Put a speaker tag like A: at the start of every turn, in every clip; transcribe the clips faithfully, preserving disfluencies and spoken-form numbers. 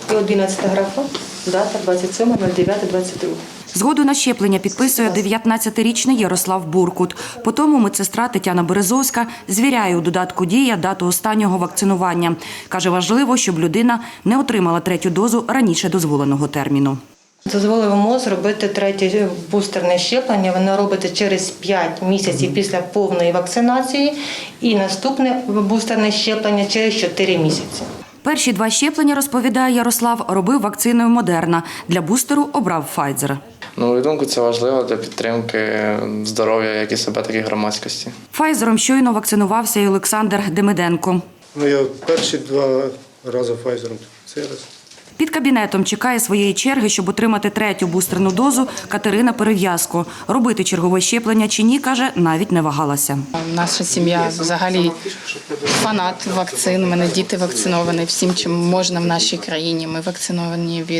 A: І одинадцята графа, дата двадцять сьоме дев'яте двадцять друге.
B: Згоду на щеплення підписує дев'ятнадцятирічний Ярослав Буркут. По тому медсестра Тетяна Березовська звіряє у додатку «Дія» дату останнього вакцинування. Каже, важливо, щоб людина не отримала третю дозу раніше дозволеного терміну.
A: Дозволив МОЗ робити третє бустерне щеплення. Воно робиться через п'ять місяців після повної вакцинації і наступне бустерне щеплення через чотири місяці.
B: Перші два щеплення, розповідає Ярослав, робив вакциною Модерна. Для бустеру обрав Файзер.
C: На мою думку, це важливо для підтримки здоров'я як і себе, так і громадськості.
B: Файзером щойно вакцинувався і Олександр Демиденко.
D: Ну, я перші два рази Файзером, цей раз.
B: Під кабінетом чекає своєї черги, щоб отримати третю бустерну дозу Катерина Перев'язко. Робити чергове щеплення чи ні, каже, навіть не вагалася.
E: Наша сім'я взагалі фанат вакцин. У мене діти вакциновані всім, чим можна в нашій країні. Ми вакциновані від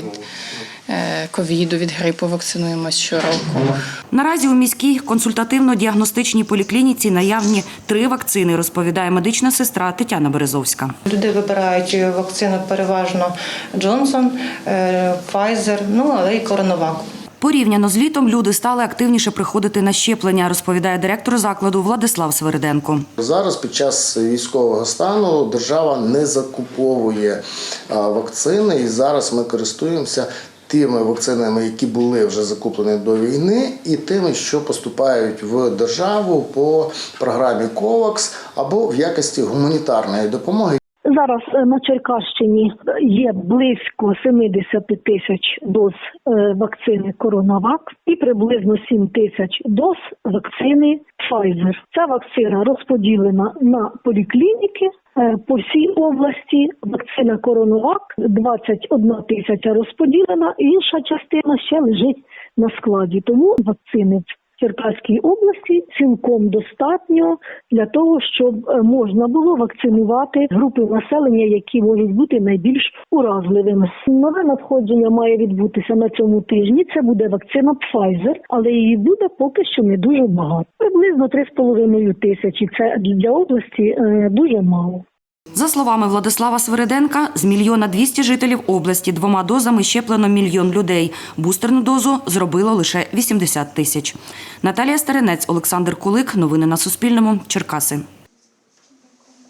E: ковіду, від грипу, вакцинуємося щороку.
B: Наразі у міській консультативно-діагностичній поліклініці наявні три вакцини, розповідає медична сестра Тетяна Березовська.
A: Люди вибирають вакцину переважно Джонсон, Файзер, ну але й Коронавак.
B: Порівняно з літом люди стали активніше приходити на щеплення, розповідає директор закладу Владислав Свириденко.
F: Зараз під час військового стану держава не закуповує вакцини і зараз ми користуємося тими вакцинами, які були вже закуплені до війни, і тими, що поступають в державу по програмі ковакс або в якості гуманітарної допомоги.
G: Зараз на Черкащині є близько сімдесят тисяч доз вакцини Коронавак і приблизно сім тисяч доз вакцини Pfizer. Ця вакцина розподілена на поліклініки по всій області. Вакцина Коронавак двадцять одна тисяча розподілена, інша частина ще лежить на складі. Тому вакцини в Черкаській області цілком достатньо для того, щоб можна було вакцинувати групи населення, які можуть бути найбільш уразливими. Нове надходження має відбутися на цьому тижні. Це буде вакцина Pfizer, але її буде поки що не дуже багато. Приблизно три з половиною тисячі. Це для області дуже мало.
B: За словами Владислава Свириденка, з мільйона двісті жителів області двома дозами щеплено мільйон людей. Бустерну дозу зробило лише вісімдесят тисяч. Наталія Старинець, Олександр Кулик. Новини на Суспільному. Черкаси.